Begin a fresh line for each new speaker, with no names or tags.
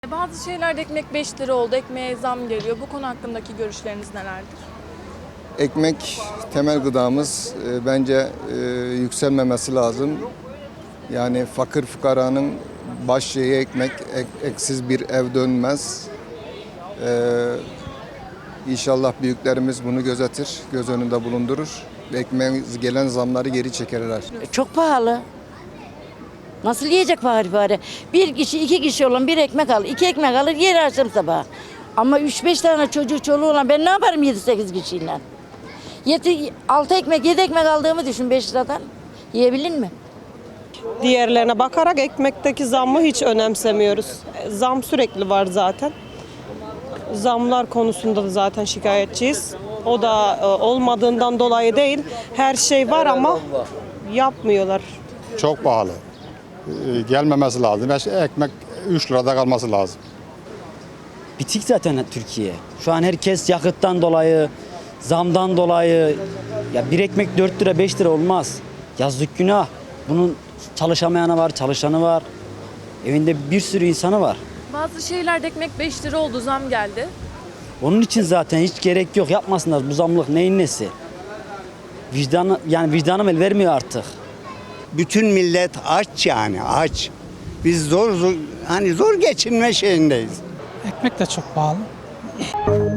Bazı şeylerde ekmek 5 lira oldu, ekmeğe zam geliyor. Bu konu hakkındaki görüşleriniz nelerdir?
Ekmek temel gıdamız. Bence yükselmemesi lazım. Yani fakir fukaranın baş şeyi ekmek, eksiz bir ev dönmez. İnşallah büyüklerimiz bunu gözetir, göz önünde bulundurur. Ekmeğe gelen zamları geri çekerler.
Çok pahalı. Nasıl yiyecek bari? Bir kişi, iki kişi olan bir ekmek alır. İki ekmek alır yer akşam sabah. Ama 3-5 tane çocuğu çoluğu olan ben ne yaparım 7-8 kişiyle? 6 ekmek, 7 ekmek aldığımı düşün 5 liradan. Yiyebilir mi?
Diğerlerine bakarak ekmekteki zammı hiç önemsemiyoruz. Zam sürekli var zaten. Zamlar konusunda da zaten şikayetçiyiz. O da olmadığından dolayı değil. Her şey var ama yapmıyorlar.
Çok pahalı. Gelmemesi lazım. Ekmek 3 lirada kalması lazım.
Bitik zaten Türkiye. Şu an herkes yakıttan dolayı, zamdan dolayı ya bir ekmek 4 lira 5 lira olmaz. Yazık günah. Bunun çalışamayanı var, çalışanı var. Evinde bir sürü insanı var.
Bazı şeylerde ekmek 5 lira oldu, zam geldi.
Onun için zaten hiç gerek yok. Yapmasınlar bu zamlık neyin nesi? Vicdanım el vermiyor artık.
Bütün millet aç yani aç. Biz zor geçinme şeyindeyiz.
Ekmek de çok pahalı.